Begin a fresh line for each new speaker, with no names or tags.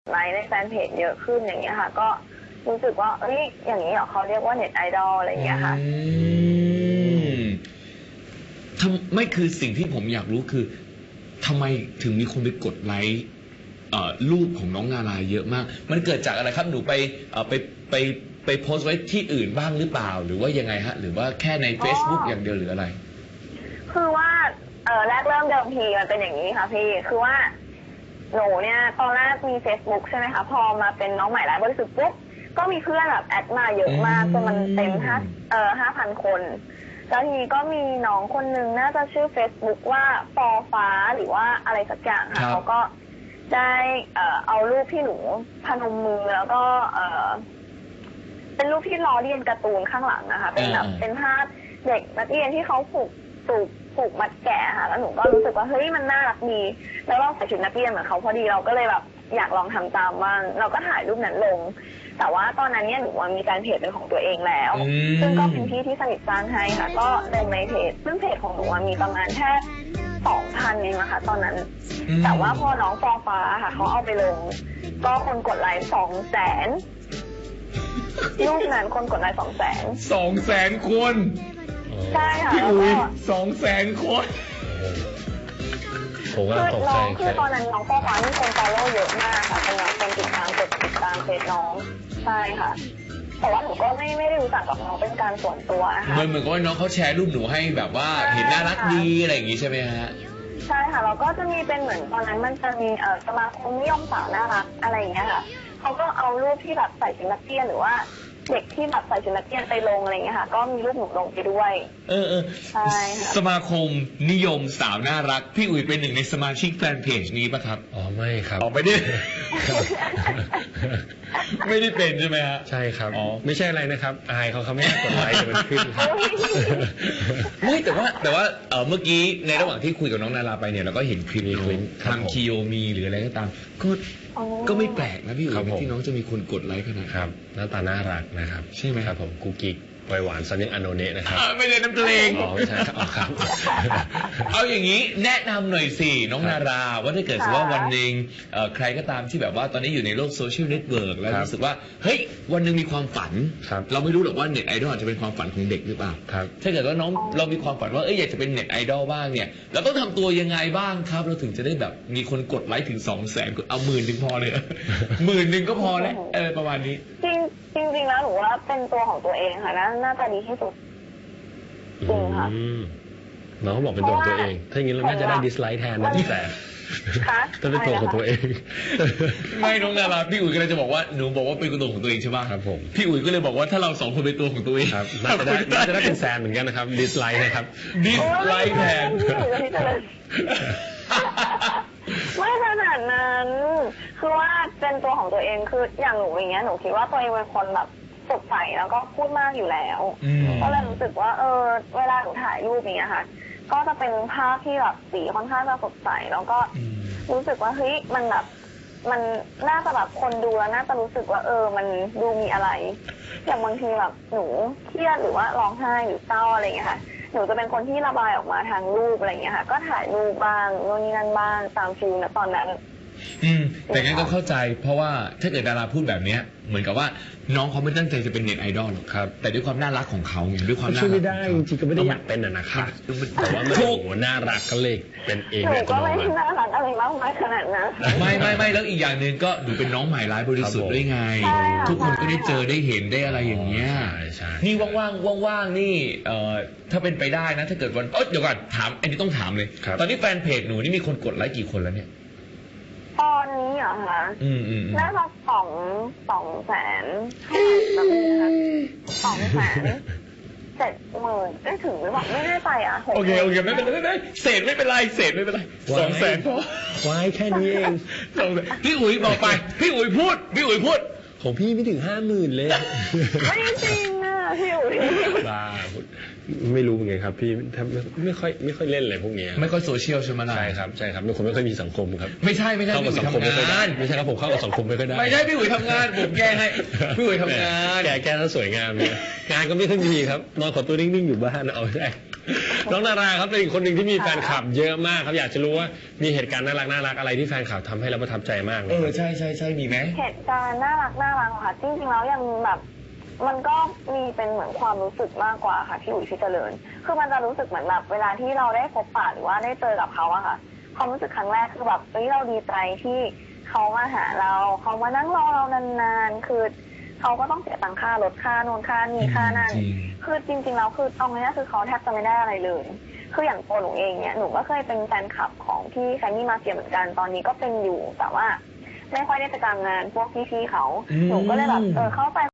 ไลค์ในแฟนเพจเยอะขึ้นอย่างเงี้ยค่ะก็รู้สึกว่าเอ้ยอย่างนี้เหรอเขาเรียกว่าเน็ตไอดอลอะไรอย่างเงี้ยค่ะ
ไม่คือสิ่งที่ผมอยากรู้คือทำไมถึงมีคนไปกดไลค์รูปของน้องนาราเยอะมากมันเกิดจากอะไรครับหนูไปโพสต์ไว้ที่อื่นบ้างหรือเปล่าหรือว่ายังไงฮะหรือว่าแค่ใน Facebook อย่างเดียวหรืออะไร
คือว่าแรกเริ่มเดิมทีมันเป็นอย่างนี้ค่ะพี่คือว่าหนูเนี่ยตอนแรกมี Facebook ใช่ไหมคะพอมาเป็นน้องใหม่ไร้บริสุทธิ์ปุ๊บก็มีเพื่อนแบบแอดมาเยอะมากจนมันเต็ม5,000 คนแล้วทีนี้ก็มีน้องคนนึงน่าจะชื่อ Facebook ว่าฟอฟ้าหรือว่าอะไรสักอย่างค่ะเขาก็ได้เอารูปที่หนูพนมมือแล้วก็เป็นรูปที่ล้อเลียนการ์ตูนข้างหลังนะคะเป็นแบบเป็นภาพเด็กนักเรียนที่เขาผูกมัดแกะค่ะแล้วหนูก็รู้สึกว่าเฮ้ยมันน่ารักดีแล้วเราใส่ชุดนักเรียนเหมือนเขาพอดีเราก็เลยแบบอยากลองทำตามบ้างเราก็ถ่ายรูปนั้นลงแต่ว่าตอนนั้นเนี่ยหนูมีการเพจเป็นของตัวเองแล้วซึ่งก็เป็นพี่ที่สนิทสร้างให้ค่ะก็ลงในเพจซึ่งเพจของหนูมีประมาณแค่2,000เองนะคะตอนนั้นแต่ว่าพอน้องฟอฟ้าค่ะเขาเอาไปลงก็คนกดไลค์200,000รูปนั้นคนกดไลค์
200,000 คน
ใช่ค่ะ
พี่อุ๋ย200,000 คน
คือน้องคือตอนนั้นน้องฟอฟ้ามีคนฟอลโล่เยอะมากค่ะเป็นน้องคนติดตามเฟซน้องใช่ค่ะแต่ว่าหนูก็ไม่ได้รู้จักกับน้องเป็นการส่วนตัวนะคะ
เหมือนกับว่าน้องเขาแชร์รูปหนูให้แบบว่าเห็นน่ารักดีอะไรอย่างงี้ใช่ไหมฮะ
ใช่ค่ะเราก็จะมีเป็นเหมือนตอนนั้นมันจะมีสมาคมนิยมสาวน่ารักอะไรอย่างเงี้ยค่ะเขาก็เอารูปที่แบบใส่ชุดนักเรียนหรือว่าเด็กที่แบบใส่ชุดนักเรียนไปลงอะไรอย่างเงี้ยค่ะก็มีรูปหนูลงไปด้วยใช่ค่ะ
สมาคมนิยมสาวน่ารักพี่อุ๋ยเป็นหนึ่งในสมาชิกแฟนเพจนี้ป่ะครับ
อ๋อไม่ครับ
ไม่ได้ ไม่ได้เป็นใช่ไหมฮะ
ใช่ครับอ๋อไม่ใช่อะไรนะครับอายเขาไม่กดไลค์จะมันขึ้น
ไม่แต่ว่าเมื่อกี้ในระหว่างที่คุยกับน้องนาราไปเนี่ยเราก็เห็นคลิปทางคิโยมีหรืออะไรก็ตามก็ไม่แปลกนะพี่อุ๋ยที่น้องจะมีคนกดไลค์ขนาด
ครับหน้าตาน่ารักนะครับ
ใช่ไหม
ครับผมกุ๊กกิ๊กไวหวานซันยังอโนเนะนะครับ
ไม่ใช่น้ำเพลง
ไม่ใช่ครับ
เอาอย่างนี้แนะนำหน่อยสิน้องนาราว่าถ้าเกิดว่าวันหนึ่งใครก็ตามที่แบบว่าตอนนี้อยู่ในโลกโซเชียลเน็ตเวิร์กแล้วรู้สึกว่าเฮ้ยวันหนึ่งมีความฝันเราไม่รู้หรอกว่าเน็ตไอดอลจะเป็นความฝันของเด็กหรือเปล่าถ้าเกิดว่าน้องเรามีความฝันว่าอยากจะเป็นเน็ตไอดอลบ้างเนี่ยเราต้องทำตัวยังไงบ้างครับเราถึงจะได้แบบมีคนกดไลค์ถึง200,000เอา10,000 พอเลย10,000 ก็พอแล้วประมาณนี้
จริงแล้วหนูว่าเป็นตัวของตัวเองค่ะน่าจะดีที่สุดจริงค่ะ
น้องบอกเป็นตัวของตัวเองถ้าอย่างนี้เราน่าจะได้ดิสไลค์แทนนะแต่ถ้าเป็นตัวของตัวเอง
ไม่น้องนาราพี่อุ๋ยก็เลยจะบอกว่าหนูบอกว่าเป็นตัวของตัวเองใช่ไหม
ครับผม
พี่อุ๋ยก็เลยบอกว่าถ้าเรา2 คนเป็นตัวของตัวเอง
ครับน่าจะได้เป็นแซนเหมือนกันนะครับดิสไลค์นะครับ
ดิสไลค์แทน
ไม่ขนาดนั้นคือว่าเป็นตัวของตัวเองคืออย่างหนูอย่างเงี้ยหนูคิดว่าตัวเองเป็นคนแบบสดใสแล้วก็พูดมากอยู่แล้วก็เลยรู้สึกว่าเวลาหนูถ่ายรูปอย่างเงี้ยค่ะก็จะเป็นภาพที่แบบสีค่อนข้างจะสดใสแล้วก็รู้สึกว่าเฮ้ยมันแบบมันน่าจะแบบคนดูแล้วน่าจะรู้สึกว่ามันดูมีอะไรอย่างบางทีแบบหนูเครียดหรือว่าร้องไห้หรือเศร้าอะไรเงี้ยค่ะหนูจะเป็นคนที่ระบายออกมาทางรูปอะไรเงี้ยค่ะก็ถ่ายรูปบ้างโน่นนี่นั่นบ้างตามฟิลนะตอนนั้น
แต่งั้นก็เข้าใจเพราะว่าถ้าเกิดดาราพูดแบบนี้เหมือนกับว่าน้องเขาไม่ตั้งใจจะเป็นเน็ตไอดอลหรอกครับแต่ด้วยความน่ารักของเขาไงด้วยความน่ารัก
ไม่ได้จริงๆก็ไม่ได้อยากเป็นนะครับแต่ว่ามันโอ้โหน่ารักก็เลยเป็นเอง
เลยก็ไม่น่ารักอะไรมากมายขนาดนั้น
ไม่แล้วอีกอย่างหนึ่งก็ดูเป็นน้องใหม่ร้ายบริสุทธิ์ด้วยไงทุกคนก็ได้เจอได้เห็นได้อะไรอย่างเงี้ยนี่ว่างๆนี่ถ้าเป็นไปได้นะถ้าเกิดวันเดี๋ยวก่อนถามอันนี้ต้องถามเลยตอนนี้แฟนเพจหนูนี่มีคนกดไลค์กี่คนแล้วเนี่ย
ตอนนี้เหรอคะน่าจะ200,000แบบนี้ค่ะ270,000ได้ถึงหรือเปล่าไม่แน่ใจอ่ะ
โอเคไม่เป็นไรเศษไม่เป็นไร200,000พอ
ไว้แค่นี้เอง
พี่อุ๋ยบอกไปพี่อุ๋ยพูด
ของพี่ไม่ถึง50,000เลย
ไม่จริงอ่ะพี่อุ๋ย
บ้าไม่รู้ไงครับพี่ไม่ค่อยเล่นอะไรพวกนี้
ไม่ค่อยโซเชียลใช่ไหมล่ะ
ใช่ครับเป็นคนไม่ค่อยมีสังคมครับ
ไม่ใช่
เข้ากับสังคมไม่ค่อยได้ไม่ใช่ครับผมเข้ากับสังคมไม่ค่อยได้
ไม่ใช่พี่อุ๋ยทำงานผมแก้ให้พี่อุ๋ยทำงาน
แก้แล้วสวยงามเลยงานก็ไม่ค่อยมีครับนอนขอตัวนิ่งๆอยู่บ้านเอาได้น้องนาราครับเป็นอีกคนหนึ่งที่มีแฟนคลับเยอะมากครับอยากจะรู้ว่ามีเหตุการณ์น่ารักอะไรที่แฟนคลับทำให้เราประทับใจมากเลย
ใช่ใช่มีไหม
เหตุการณ์น่ารักค่ะจริงๆแล้วยังแบบมันก็มีเป็นเหมือนความรู้สึกมากกว่าค่ะพี่อุ๋ยพี่เจริญคือมันจะรู้สึกเหมือนแบบเวลาที่เราได้พบปะหรือว่าได้เจอกับเขาอะค่ะความรู้สึกครั้งแรกคือแบบเราดีใจที่เขามาหาเราเขามานั่งรอเรานานๆคือเขาก็ต้องเสียตังค่ารถค่าโน่นค่านี่ค่านั่นคือจริงๆแล้วคือเอาง่ายๆคือเขาแทบจะไม่ได้อะไรเลยคืออย่างตัวหนูเองเนี่ยหนูก็เคยเป็นแฟนคลับของพี่แคนนี่มาเฟียเหมือนกันตอนนี้ก็เป็นอยู่แต่ว่าไม่ค่อยได้ไปตามงานพวกพี่ๆเขาหนูก็เลยแบบเข้าไป